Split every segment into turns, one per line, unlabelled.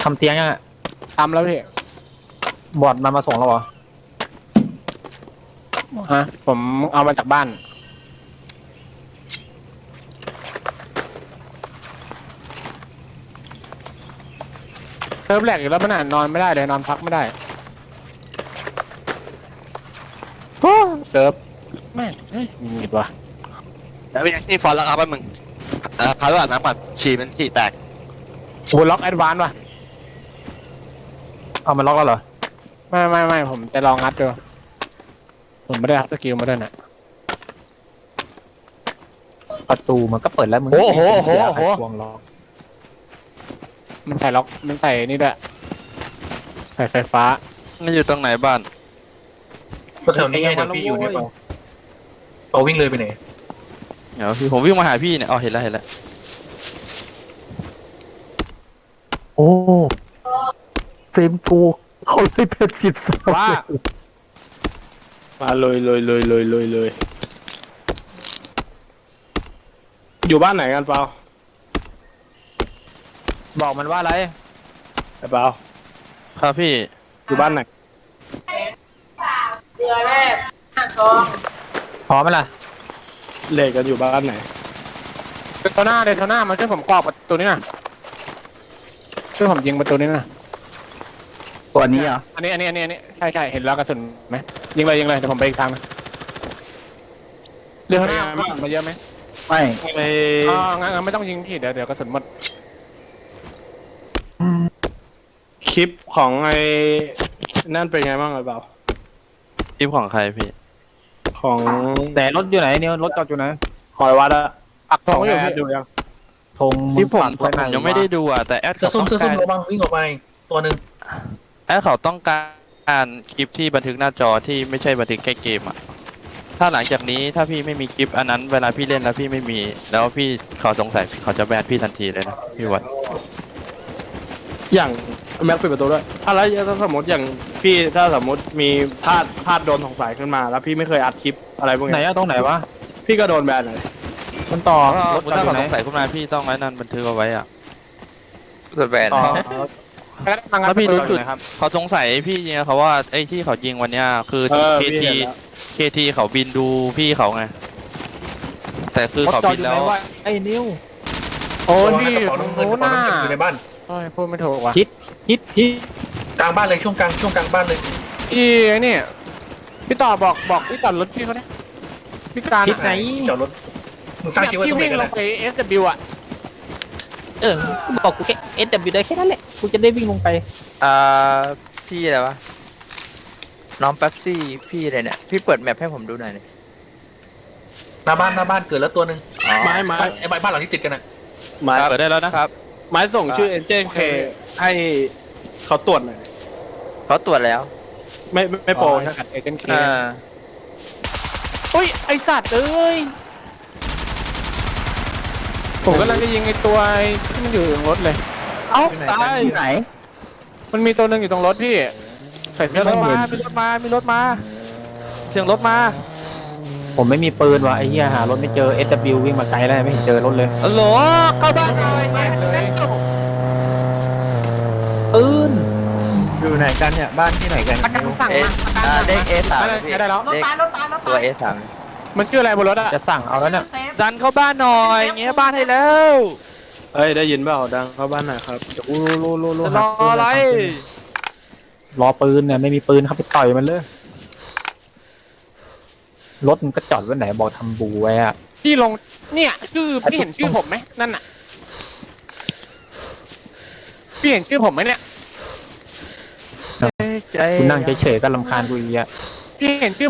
ทำเตียงยังอะ
ทำแล้วพี่
บอดมันมาส่งแล้วเหรอ
ฮะผมเอามาจากบ้านเซิร์ฟแหลกอยู่แล้วมันนอนไม่ได้เลยนอนพักไม่ได้เซิร์ฟแม่งมีดวะ
แล้วเป็นยังที่ฟอนแล้วครับมึงพาด้วยน้ำก่อนฉี่มันฉี่แตก
โอ้ล็อกแอดวานซ์ว่ะ
เอามันล็อกแล้วเหรอ
ไม่ผมจะลองงัดดูผมไม่ได้รับสกิลมาด้วยนะ
ประตูมันก็เปิดแล้วมึง
โอ้โห
วงล็อก
มันใส่ล็อกมันใส่นี่ด้วยใส่ไฟฟ้า
มันอยู่ตรงไหนบ้าน
ก็แถวนี้ไงเดี๋ยวพี่อยู่เนี่ยเอาวิ่งเลยไปไหน
เดี๋ยวพี่ผมวิ่งมาหาพี่เนี่ยอ๋อเห็นแล้ว
โอ้เฟรมกูเขาเลยเป็น12
ว่า
มาเลยอยู่บ้านไหนกันเปล่า
บอกมันว่าอะไร
เปล่า
ครับพี่
อยู่บ้านไหน
เดือนแรก
พร้อมไหมล่ะ
เล่กันอยู่บ้านไหน
เดโทน่ามาช่วยผมกรอบประตูนี้น่ะช่วยผมยิงประตูนี้น่ะ
ตัวนี้เหรอ
อันนี้ใช่เห็นแล้วกระสุนไหมยิงเลยเดี๋ยวผมไปอีกทางนึงเรือข้างหน้ากระสุนมาเยอะไหม
ไม่
งั้นไม่ต้องยิงพี่เดี๋ยวกระสุนหมด
คลิปของไอ้นั่นเป็นไงบ้างเปล่า
คลิปของใครพี่
ของ
แต่รถอยู่ไหนเนี่ยรถจอดอยู่ไหน
หอยวัดอะ
ปักธงอยู่พี่
ดูยัง
ธง
ที่ผมยังไม่ได้ดูอ่ะแต่แอดเขาต้องการ
ระวังวิ่งออกไปตัวนึง
แอดเขาต้องการคลิปที่บันทึกหน้าจอที่ไม่ใช่บันทึกแค่เกมอ่ะถ้าหลังจากนี้ถ้าพี่ไม่มีคลิปอันนั้นเวลาพี่เล่นแล้วพี่ไม่มีแล้วพี่เขาสงสัยเขาจะแบนพี่ทันทีเลยนะพี่วัด
อย่างแม็กปิดประตูด้วยอะไรถ้าสมมติอย่างพี่ถ้าสมมติมีพลาดโดนสงสัยขึ้นมาแล้วพี่ไม่เคยอัดคลิปอะไรพวกนี้
ไหนอะตรงไหนวะ
พี่ก็โดนแบนเลย
มันต่อ
ถ้าเขาสงสัยขึ้นมาพี่ต้องไว้นั่นบันทึกเอาไว้อ่ะแบนแล้วพี่รู้จุดเขาสงสัยพี่ยิงเขาว่าไอ้ที่เขายิงวันเนี้ยคือKTเขาบินดูพี่เขาไงแต่คือเขาบินแล้ว
ไอ้นิว
โอ้นี่โน้น่า
อยู่ในบ้าน
พูดไม่ถูกว่ะ
ฮิต
กลางบ้านเลยช่วงกลางบ้านเลย
นี่พี่ต่อบอกพี่ต่อรถพี่เขาเนี่ยพี่การ
ไหน
จอดรถมึงสร้างคิดว่า
ต้องวิ่งลงไป SW อ่ะ
บอกกูแค่ SW ได้แค่นั้นแหละกูจะได้วิ่งลงไป
พี่อะไรวะน้องแป๊บซี่พี่อะไรเนี่ยพี่เปิดแมปให้ผมดูหน่อยเลย
หน้าบ้านเกิดแล้วตัวนึงไม้ไอ้บ้านหลังที่ติดกันน่ะ
ไม้เปิดได้แล้วนะครับ
ไม้ส่งชื่อเอ็นเจนเคให้เขาตรวจหน่อย
เขาตรวจแล้ว
ไม่โปรใช่ไหม
เอเจนเคอุ้ยไอสัตว์เอ้ยผมกำลังจะยิงไอตัวที่มันอยู่ตรงรถเลย
เอ้าตายไหน
มันมีตัวหนึ่งอยู่ตรงรถพี่ใส่เสื้อมีรถมาเสียงรถมา
ผมไม่มีปืนว่ะไอ้เหี้ยหารถไม่เจอ SW วิ่งมาไกลแล้วไม่เห็นเจอรถเลย
ฮัลโหลเข้าบ้านหน่อย
ปืน
อยู่ไหนกันเนี่ยบ้านที่ไหนกัน
สั่งมา
เด็ก A3
ได้แล้ว
ตัว A3
มันชื่ออะไรบนรถอะ
จะสั่งเอาแล้วเนี่ย
ดันเข้าบ้านหน่อยเงี้ยบ้านให้แล้ว
เอ้ยได้ยินเปล่าดังเข้าบ้านหน่อยครับ
รออะไร
รอปืนเนี่ยไม่มีปืนครับไปต่อยมันเลยรถมันก็จอดไว้ไหนบอกทำบูไว้อะ
พี่ลงเนี่ยชื่อพี่เห็นชื่อผมไหมนั่นน่ะพี่เห็นชื่อผมไหมเนี่ย
คุณนั่งเฉยๆก็รำคาญกูอีกอะ
พี่เห็นชื่อ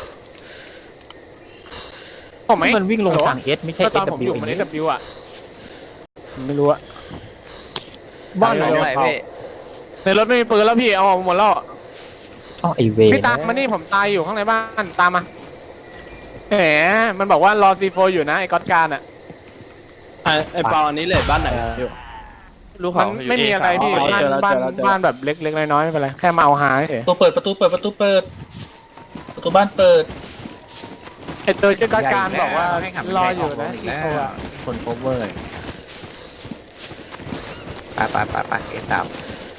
ผมไหม
มันวิ่งลงทางเอสไม่ใช่
SW อยู่มัน SW อ่ะไม่รู้อะบ้านไหนในรถไม่มีปืนแล้วพี่เอาหมดแล้ว
ไอเว
พี่ตามมานี่ผมตายอยู่ข้างในบ้านตามมาแหมมันบอกว่ารอซีโฟอยู่นะไอ้ก๊อตการอ่ะ
ไอ้เปาอันนี้เลยบ้านไหนอยู่
ลูกเขา
ไม่มีอะไรพี่บ้านแบบเล็กๆน้อยๆไม่เป็นไรแค่มาเอาหาเฉย
ประตูบ้านเปิด
ไอ้ตัวชื่อก๊อตการบอกว่ารออยู่นะซีโฟ
คนโคเวอร์ไปเอตาม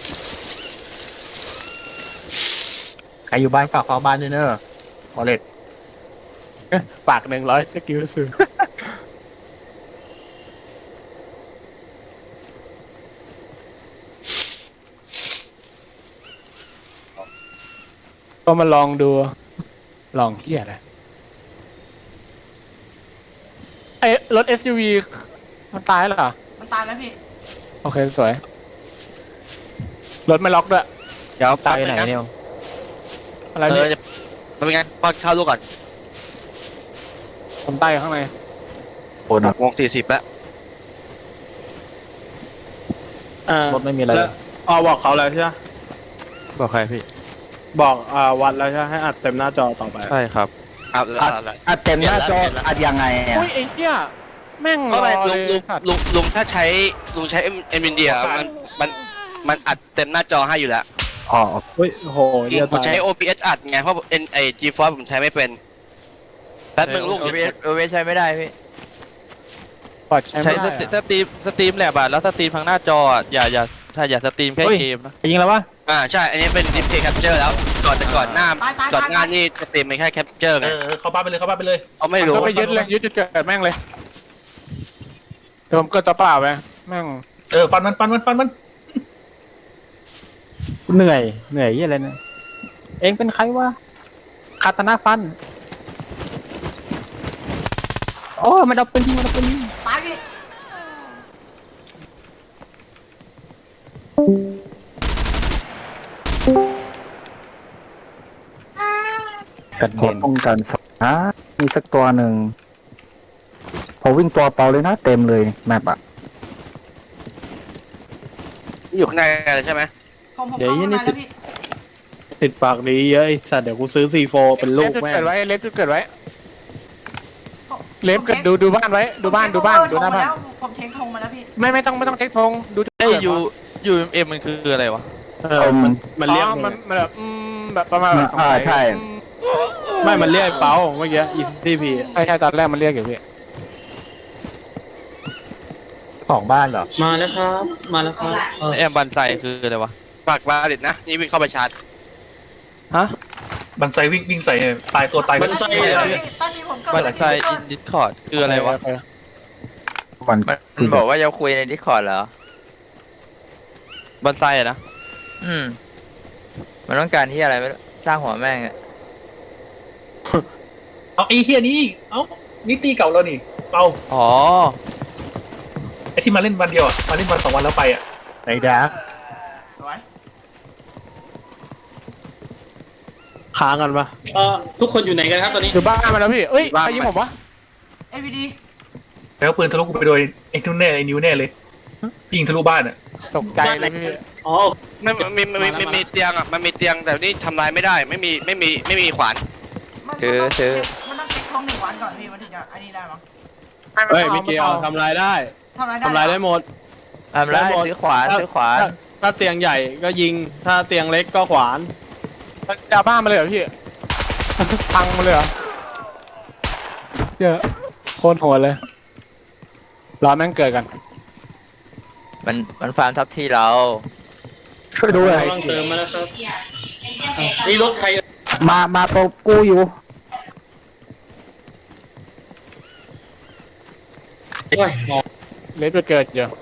รอยู่บ้านฝากเฝ้าบ้านด้วยเนอะขอเลด
ปาก100สกิลสูงก็มาลองดู ลองเฮียอะไรไอ้รถ SUV มันตายแล้วเหรอ
มันตายแล้วพี่
โอเค สวย รถไม่ล็อกด้วย
เดี๋ยว
ตายไหนเนี่ย
อะไรเนี่ย
มันเป็นไงป้อนข้าวลูกก่อน
ผมตายอยู่ข้างใน
โอ้นะ
6 โมง 40แล้ว
รถไม่มีอะไร
แล้วบอกเขาแล้วใช่ไหม
บอกใครพี่
บอกวัดแล้วใช่ไหมให้อัดเต็มหน้าจอต่อไป
ใช่ครับ
อัดเต็มหน้าจออัดยังไงอ่ะ
อุ้ยไอ้เหี้ยแม่งร
ก็
อ
ไป
เลยสัตว์
ลุงถ้าใช้เอ็มวินเดียมันอัดเต็มหน้าจอให้อยู่แล้ว
อ๋อ
เฮ้ยโหเดี๋ยว
ผม
ตาย
ใช้ OBS อัดไงเพราะไอ GeForce ผมใช้ไม่เป็นแป๊บนึงลูก
โอเวใช้ไม่ได้พี่
ปลอดใช้
ใช้
ไม่ได้อะ
สตรีมแหละบัดแล้วสตรีมทางหน้าจออ่ะอย่าสตรีมแค่เกมนะ
ยิงแล้ววะ
ใช่ อันนี้เป็น Display Capture แล้วก่อนหน้า
ตายตาย
ก่อน
ตาย
หน้านี่สตรีมไม่แค่ Capture ไง
เข้าบ้านไปเลยเข้าบ้านไปเลย
เขาไม่รู้
ก็ไปยึดเลยยึดจุดเกิดแม่งเลยเดี๋ยวผมเกิดตัวเปล่าไปแม่ง
ฟันมัน
เหนื่อยยี่อะไรเนี่ยเองเป็นใครวะคาตานาฟันโอ้มันเอาปืนยิง
ตายพี่
กระ
ขอ
เด็น
ป้องกันสักนะมีสักตัวหนึ่งพอวิ่งตัวเปล่าเลยนะเต็มเลยแมปอ่ะ
อยู่ข้างในเลยใช่ไหม
ผมเข้าข้างในแล้วพี่
ติดปากดีเยอะไอ้สัตว์เดี๋ยวกูซื้อ C4 เป็นลูก
จุด
แม่ง
เกิดไว้เล็บจุดเกิดไว้เล็บเกิดดูบ้านไว้ดูบ้านดูหน้าบ้าน
ผมเช็คธงมาแล้วพี่
ไม่ต้องเช็คธงดูจุด
ไอ้
เกิด
UMM มันคืออะไรวะ
มันเรียก
มันแบบแบบประมาณแบบ
ใช่
ไม่มันเรียกเป้าเมื่อกี้ ECP
ใช่ตอนแรกมันเรียกอยู่พี่
ของบ้านเหรอ
มาแล้วครับมาแล้วครับ
แอมบันไซคืออะไรวะ
ฝากบาลิตนะ นี่วิ่งเข้าไปชาร์จ
ฮะ
บันไซวิ่งใส่ตายตัวตายบันไซ
ตอนนี้ผมเกิด
บันไซอินดิสคอร์ดคืออะไรวะ
มัน
มันบอกว่าจะคุยในดิสคอร์ดเหรอ
บันไซอะนะ
มันต้องการที่อะไรไม่รู้สร้างหัวแม่งอะ
เอาไอ้เฮียนี่เอ้านี่ตีเก่าแล้วนี่เปา
อ๋อ
ไอ้ที่มาเล่นวันเดียวอ่ะมาเล่นวัน2 วันแล้วไปอ่ะ
ไหนดาร์ก
สวย
ค้างกันปะ
ทุกคนอยู่ไหนกันครับตอนนี้
ดูบ้านมาแล้วพี่เอ้ยใครยิงผมวะ
AVD
แล้วปืนทะลุกูไปโดยไอ้นุ่นแน่ไอ้นิ้วแน่เลยยิงทะลุบ้านอ่ะ
ตกใจเลยพี่
อ๋อ
มีเตียงมันมีเตียงแต่นี่ทำลายไม่ได้ไม่มีขวาน
มันต้องเช็คธง1 วันก่อนพี่มันถึงจะอันนี้ได้มั้ง
เฮ้ยมิเกลทำลายได้
ทำอะไรได้
ทำลายได้หมด
ทำไรซื้อขวานซื้อขวาน
ถ้าเตียงใหญ่ก็ยิง ถ้าเตียงเล็กก็ขวาน
ดาบ้านมาเลยเหรอพี่ พังมาเลยเหรอเยอะโคตรโหดเลยรอแม่งเกิดกัน
มันฟาร์มทับที่เรา
ช่วยด้วย
กำลังเสริมมาแล้วครับนี่รถใคร
มาโปรกูอยู่
โอ้ย
เล็บจะเกิดอยู่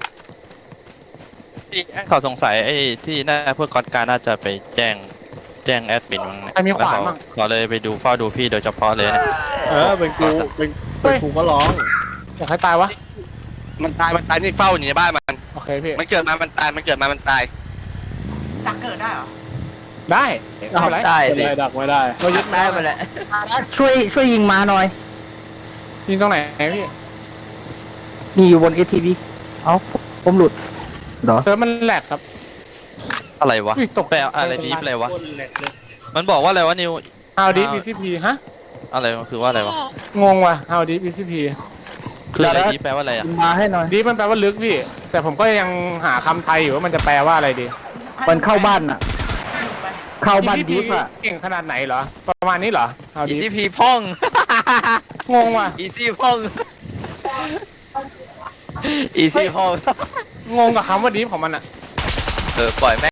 เขาสงสัยไอ้ที่น่าพวกกอดการน่าจะไปแจ้งแอดมินมั้งเนี่ย
ใครมีขวาน
แล้ว
บ้าง
เขาเลยไปเฝ้าดูพี่โดยเฉพาะเลยนะ
เป็นกูก็ร้อง
อยากให้ตายวะ
มันตายนี่เฝ้าอยู่ในบ้านมัน
โอเคพี่
มันเกิดมามันตายมันตาย
ดักเกิดได้เหรอ
ได้ไม่เป็นไร
ได้
เป็น
สิ
ไรดักไม่ได้
เรายึด
ได้มาแหละ
ช่วยยิงมาหน่อย
ยิงตรงไหนพี่
นี่อยู่บน ATV เอ้าผมหลุดเหรอ
เซิร์ฟมันแหลกครับ
อะไรวะ
อุ้ยตก
แปลอะไรดีฟอะไรวะ
คนแหลกเลย
มันบอกว่าอะไรวะนิว
How deep BCP ฮะ
อะไรมันคือว่าอะไรวะ
งงว่ะ How deep BCP
คืออะไรดีฟแปลว่าอะไรอ่ะ
ยิงมาให้หน่อย
deep มันแปลว่าลึกพี่ แต่ผมก็ยังหาคำไทยอยู่ว่ามันจะแปลว่าอะไรดี
มันเข้าบ้านอ่ะ เข้าบ้าน
BCP
ดีฟอ่ะ
เก่งขนาดไหนเหรอ ประมาณนี้เหรอ How
อี
deep
ซี่พีพ่อง
งงว่ะ
อีซี่พ่องอีซี่พ่อง
งงกับคำว่า deep ของมันอ่ะ
ปล่อยแม่